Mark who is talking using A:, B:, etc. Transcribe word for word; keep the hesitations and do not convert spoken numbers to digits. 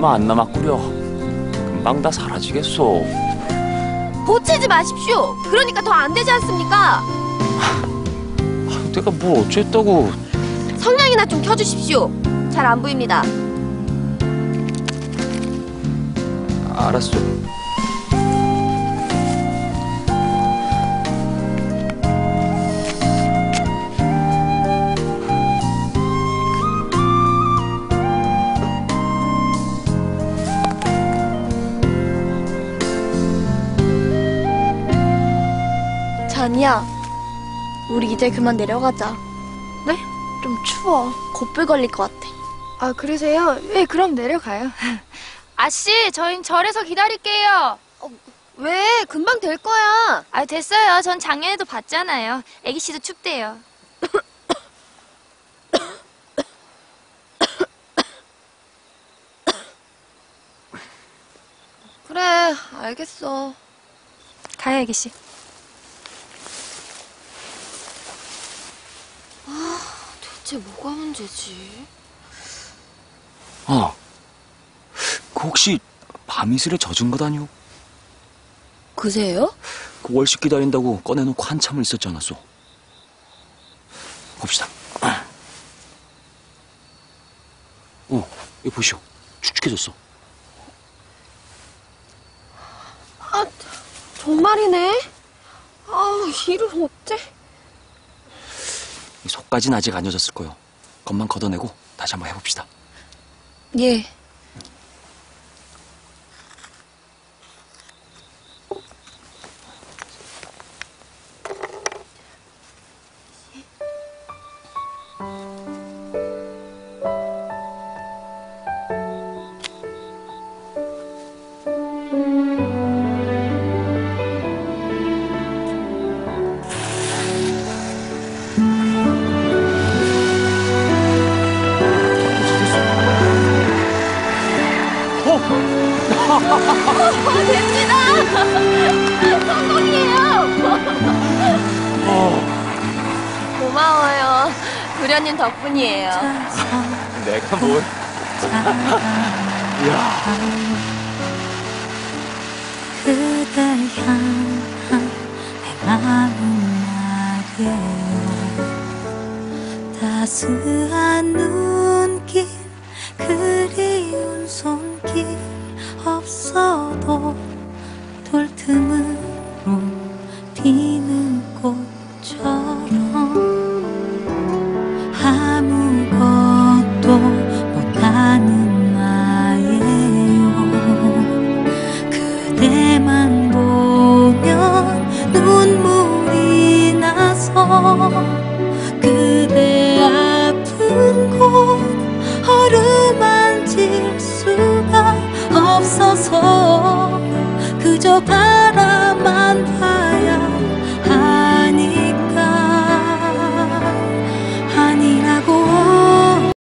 A: 얼마 안 남았구려. 금방 다 사라지겠소.
B: 보채지 마십시오. 그러니까 더 안 되지 않습니까?
A: 아유, 내가 뭘 어쨌다고.
B: 성냥이나 좀 켜주십시오. 잘 안 보입니다.
A: 알았어.
C: 잔이야, 우리 이제 그만 내려가자.
D: 네?
C: 좀 추워. 곧불 걸릴 것 같아.
D: 아, 그러세요? 네, 그럼 내려가요.
E: 아씨, 저희 절에서 기다릴게요.
B: 어, 왜? 금방 될 거야.
E: 아, 됐어요. 전 작년에도 봤잖아요. 애기씨도 춥대요.
B: 그래, 알겠어.
E: 가요, 애기씨.
B: 아, 대체 뭐가 문제지?
A: 아, 그 혹시 밤이슬에 젖은 것 아니오?
B: 그세요?
A: 그 월식 기다린다고 꺼내놓고 한참을 있었지 않았소? 봅시다. 어, 이거 보시오. 축축해졌어.
B: 아, 정말이네. 아우, 이를 어째?
A: 속까진 아직 안 젖었을 거요. 겉만 걷어내고 다시 한번 해봅시다.
B: 예. 어, 됩니다! 성공이에요! 고마워요. 도련님 덕분이에요.
A: 내가 뭘? 이야.
F: 그댈 향한 내 마음 말이에요. 따스한 눈길, 그리운 손길 없어도 돌틈으로 피는 꽃처럼 아무것도 못하는 나예요. 그대만 보면 눈물이 나서 그대 아픈 곳 어루만질 수가 없어서 그저 바라만